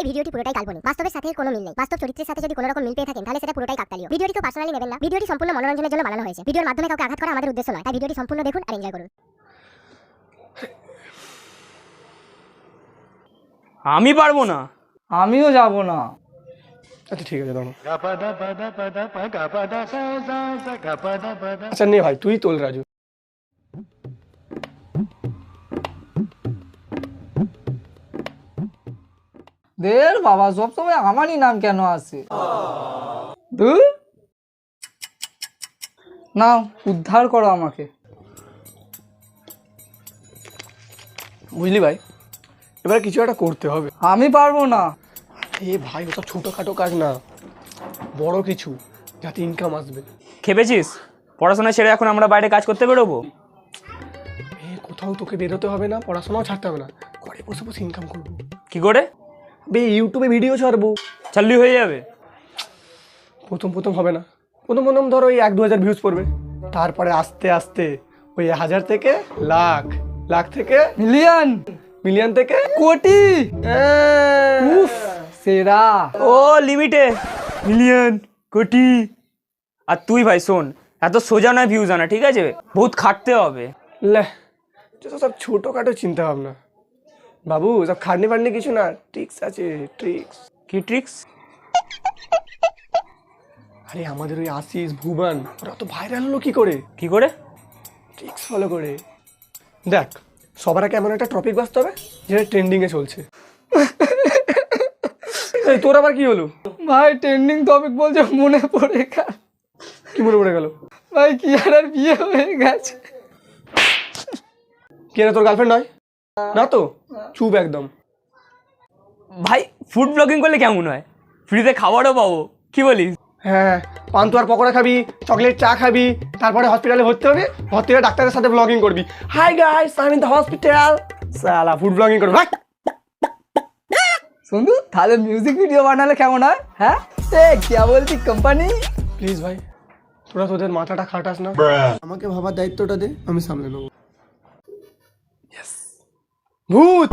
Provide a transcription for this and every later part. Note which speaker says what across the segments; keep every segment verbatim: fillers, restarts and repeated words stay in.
Speaker 1: এই ভিডিওটি পুরোটাই কাল্পনিক, বাস্তবের সাথে কোনো মিল নেই। বাস্তব চরিত্রের সাথে যদি কোনো রকম মিল পেয়ে থাকেন তাহলে সেটা পুরোটাই কাকতালীয়। ভিডিওটি তো পার্সোনালি নেবেন না। ভিডিওটি সম্পূর্ণ মনোরঞ্জনের জন্য বানানো হয়েছে। ভিডিওর মাধ্যমে কাউকে আঘাত করা আমাদের উদ্দেশ্য নয়, তাই ভিডিওটি সম্পূর্ণ দেখুন আর এনজয় করুন।
Speaker 2: আমি পারবো না।
Speaker 3: আমিও যাব না।
Speaker 4: আচ্ছা ঠিক আছে, দাঁড়া। আচ্ছা নে ভাই, তুই তোল রাজু।
Speaker 3: দের বাবা, সবসময় আমারই নাম কেন আসে? ধুর। নাও, উদ্ধার করো আমাকে।
Speaker 4: বুঝলি ভাই, এবার কিছু একটা করতে হবে।
Speaker 3: আমি পারবো না।
Speaker 4: এ ভাই, ওটা ছোটখাটো কাজ না, বড় কিছু, যাতে ইনকাম আসবে।
Speaker 2: খেপেছিস? পড়াশোনা ছেড়ে এখন আমরা বাইরে কাজ করতে বেরোবো?
Speaker 4: এ কোথাও তোকে বেরোতে হবে না, পড়াশোনাও ছাড়তে হবে না, ঘরে বসে বসে ইনকাম করবো।
Speaker 2: কি করে?
Speaker 4: বে ইউটিউবে ভিডিও ছাড়বো।
Speaker 2: চালু হয়ে যাবে?
Speaker 4: প্রথম প্রথম হবে না, প্রথম প্রথম ধরো ওই এক দু হাজার ভিউজ পড়বে, তারপরে আস্তে আস্তে ওই হাজার থেকে লাখ, লাখ থেকে
Speaker 3: মিলিয়ন,
Speaker 4: মিলিয়ন থেকে
Speaker 3: কোটি।
Speaker 4: উফ,
Speaker 3: সেরা।
Speaker 2: ও লিমিটে মিলিয়ন, কোটি। আর তুই ভাই শোন, এত সোজা নয় ভিউজ আনা, ঠিক আছে? বহুত খাটতে হবে।
Speaker 4: লে, সব ছোটোখাটো চিন্তা ভাবনা বাবু, সব খাটনি ফাটনি কিছু না, ট্রিক্স আছে, ট্রিক্স।
Speaker 2: কি ট্রিক্স?
Speaker 4: আরে আমাদের ওই আশিস ভুবন ওরা তো ভাইরাল হলো কি করে?
Speaker 2: কি করে?
Speaker 4: ট্রিক্স ফলো করে। দেখ, সবার আগে এমন একটা টপিক বাঁচতে হবে যেটা ট্রেন্ডিংয়ে চলছে। এই তোর আবার কি হলো?
Speaker 3: ভাই ট্রেন্ডিং টপিক বলছে, মনে পড়ে গেল।
Speaker 4: কি মনে পড়ে গেল?
Speaker 3: ভাই কি আর বিয়ে হয়ে গেছে।
Speaker 4: কে না, তোর গার্লফ্রেন্ড নয় না তো? চুপ একদম।
Speaker 2: ভাই ফুড ব্লগিং করলে কেমন হয়? ফ্রিতে খাবারও পাবো, কি বলিস?
Speaker 4: হ্যাঁ, পান্তুয়ার পকোড়া খাবি, চকলেট চা খাবি, তারপরে হসপিটালে ভর্তি হবি, ভর্তি হয়ে ডাক্তারের সাথে ব্লগিং করবি। Hi guys, I am in the hospital. সালা ফুড ব্লগিং করবি। ভাই
Speaker 3: শুনু, তাহলে মিউজিক ভিডিও বানালে কেমন হয়? হ্যাঁ, এ কি বলছি কোম্পানি?
Speaker 4: প্লিজ ভাই, তোরা তোদের মাথাটা খাটাস না, আমাকে ভাবার দায়িত্বটা দে, আমি সামলে নেবো। ভূত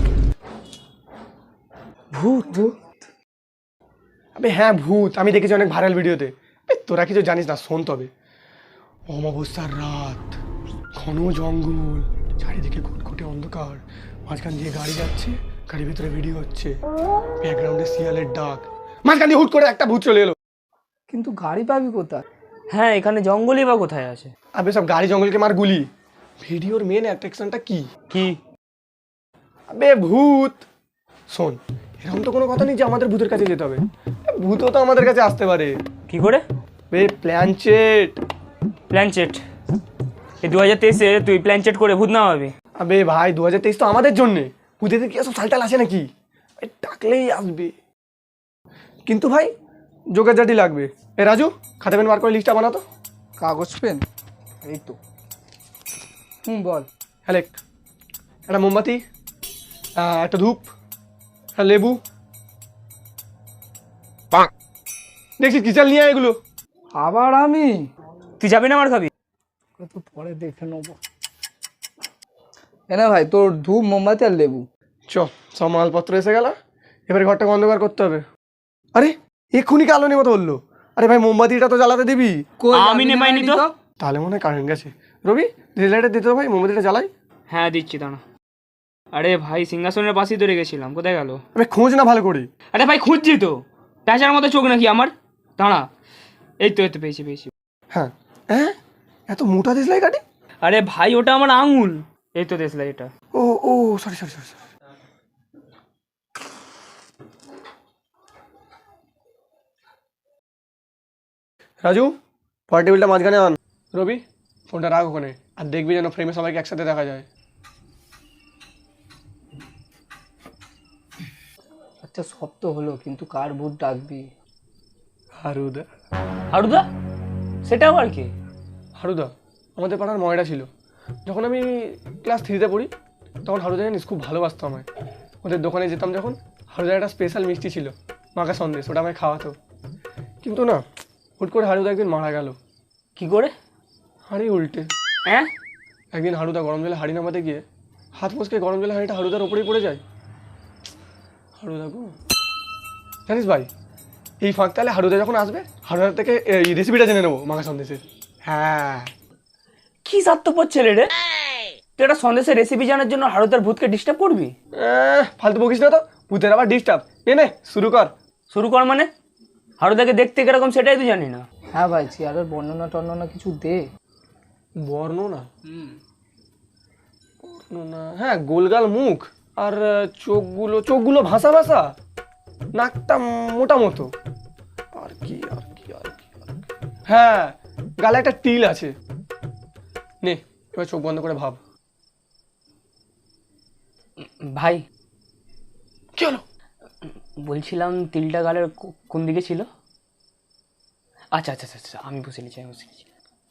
Speaker 4: ভূত ভূত আবে হ্যাঁ, ভূত আমি দেখেছি অনেক ভাইরাল ভিডিওতে। তোরা কিছু জানিস না, শোন তবে। অমাবস্যার রাত, ঘন জঙ্গল, চারিদিকে ঘুটঘুটে অন্ধকার, মাঝখান দিয়ে গাড়ি যাচ্ছে, গাড়ির ভিতরে ভিডিও হচ্ছে, ব্যাকগ্রাউন্ডে শিয়ালের ডাক, মাঝখান দিয়ে হুট করে একটা ভূত চলে এলো।
Speaker 3: কিন্তু গাড়ি পাবি কোথায়?
Speaker 2: হ্যাঁ, এখানে জঙ্গলই বা কোথায় আছে?
Speaker 4: আবে সব গাড়ি জঙ্গলকে মার গুলি। ভিডিওর মেন অ্যাট্রাকশনটা কি?
Speaker 2: কি?
Speaker 4: আবে ভূত। শোন, এরকম তো কোনো কথা নেই যে আমাদের ভূতের কাছে যেতে হবে, ভূতও তো আমাদের কাছে আসতে পারে।
Speaker 2: কি করে?
Speaker 4: বে প্ল্যানচেট।
Speaker 2: প্ল্যানচেট? এই দু হাজার তেইশে তুই প্ল্যানচেট করে ভূত না হবে?
Speaker 4: আবে ভাই, দু হাজার তেইশ তো আমাদের জন্যে, ভূতেদের কি সব সালটাল আসে নাকি? ডাকলেই আসবে, কিন্তু ভাই জোগাড়জাটি লাগবে। এ রাজু, খাতা পেন বার করে লিস্টটা বানাতো।
Speaker 3: কাগজ পেন এই তো। হুম বল।
Speaker 4: হ্যালেক, একটা মোমবাতি, আহ, একটা ধূপ, একটা লেবু। দেখছিস কি, চাল নিয়ে আয় এগুলো।
Speaker 3: আবার আমি?
Speaker 2: তুই যাবি না আমার খাবি?
Speaker 3: তো পরে দেখে নেবো। এনে ভাই তোর ধূপ, মোমবাতি আর লেবু।
Speaker 4: চ, সব মালপত্র এসে গেল, এবারে ঘরটাকে অন্ধকার করতে হবে। আরে এক্ষুনি কালো নেই মতো বললো। আরে ভাই, মোমবাতিটা তো জ্বালাতে দিবি।
Speaker 2: আমি নেমাইনি তো।
Speaker 4: তাহলে মনে হয় কারেন্ট গেছে। রবি, রিলাইটার দিতে ভাই, মোমবাতিটা জ্বালাই।
Speaker 2: হ্যাঁ দিচ্ছি, দাঁড়া। আরে ভাই, সিংহাসনের পাশেই তো রেখেছিলাম, কোথায় গেল?
Speaker 4: আরে খোঁজ না ভালো করে।
Speaker 2: আরে ভাই খুঁজছি তো, প্যাঁচার মতো চোখ নাকি আমার? দাঁড়া, এই তো এই তো পেয়েছি পেয়েছি।
Speaker 4: হ্যাঁ হ্যাঁ, এত মোটা দেশলাই কাটি।
Speaker 2: আরে ভাই ওটা আমার আঙুল। এই তো দেশলাই এটা।
Speaker 4: ও ও sorry sorry sorry sorry. Raju, পরের টেবিলটা মাঝখানে আন। রবি, ফোনটা রাখ ওখানে, আর দেখবি যেন ফ্রেমে সবাইকে একসাথে দেখা যায়।
Speaker 3: আচ্ছা সব তো হলো, কিন্তু কার ভূত ডাকবি?
Speaker 4: হারুদা।
Speaker 2: হারুদা? সেটা আবার কি?
Speaker 4: হারুদা আমাদের পাড়ার ময়রা ছিল। যখন আমি ক্লাস থ্রিতে পড়ি তখন হারুদা জানিস খুব ভালোবাসতো আমায়। ওদের দোকানে যেতাম যখন, হারুদার একটা স্পেশাল মিষ্টি ছিল, মাখা সন্দেশ, ওটা আমায় খাওয়াতো। কিন্তু না, হুট করে হারুদা একদিন মারা গেল।
Speaker 2: কি করে?
Speaker 4: হাঁড়ি উল্টে।
Speaker 2: হ্যাঁ?
Speaker 4: একদিন হারুদা গরম জলে হাঁড়ি নামাতে গিয়ে হাত মুচকে গরম জলে হাঁড়িটা হারুদার ওপরেই পড়ে যায়। হারুদা গো, জানিস ভাই, এই ফাঁক তাহলে হারুদা যখন আসবে হারুদার থেকে এই রেসিপিটা জেনে নেবো মাখা সন্দেশের। হ্যাঁ,
Speaker 2: কি স্বার্থপর ছেলে রে, তুই একটা সন্দেশের রেসিপি জানার জন্য হারুদার ভূতকে ডিস্টার্ব করবি?
Speaker 4: আহ, ফালতু বকিস না তো, ভূতের আবার ডিস্টার্ব। নে নে শুরু কর।
Speaker 2: শুরু কর মানে? হারুদাকে দেখতে কিরকম সেটাই তো জানি না।
Speaker 3: হ্যাঁ ভাই, চেয়ারের বর্ণনা টর্ণনা কিছু দে।
Speaker 4: বর্ণনা? বর্ণনা, হ্যাঁ, গোলগাল মুখ আর আহ, চোখগুলো চোখগুলো ভাসা ভাসা, নাকটা মোটা মতো, আর কি আর কি আর কি আর কি। হ্যাঁ, গালে একটা তিল আছে। নে এবার চোখ বন্ধ করে ভাব।
Speaker 2: ভাই
Speaker 4: কি হলো?
Speaker 2: বলছিলাম তিলটা গালের কো- কোন দিকে ছিল? আচ্ছা আচ্ছা আচ্ছা আচ্ছা, আমি বুঝে নিচ্ছি আমি বুঝে নিচ্ছি।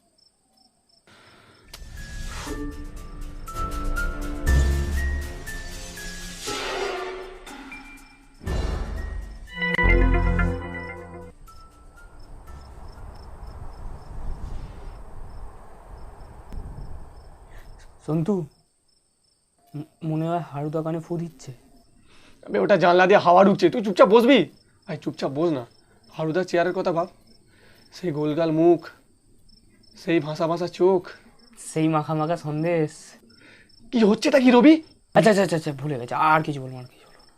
Speaker 2: সন্তু, ম- মনে হয় হারুদা কানে ফু দিচ্ছে।
Speaker 4: আবে ওটা জানলা দিয়ে হাওয়া ঢুকছে, তুই চুপচাপ বসবি? ভাই চুপচাপ বস না। হারুদার চেয়ারের কথা ভাব, সেই গোলগাল মুখ, সেই ভাসা ভাসা চোখ।
Speaker 2: সেই মাখা মাখা সন্দেশ।
Speaker 4: কি হচ্ছে তা কি রবি?
Speaker 2: আচ্ছা আচ্ছা আচ্ছা আচ্ছা, ভুলে গেছে, আর কিছু বলবো না, আর কিছু বলবো না।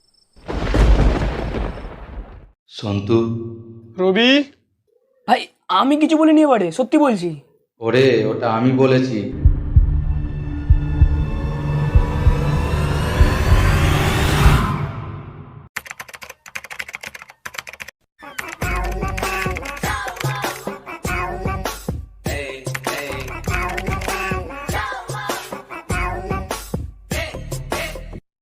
Speaker 5: সন্তু,
Speaker 4: রবি,
Speaker 2: ভাই আমি কিছু বলিনি এবারে, সত্যি বলছি।
Speaker 5: ওরে ওটা আমি বলেছি।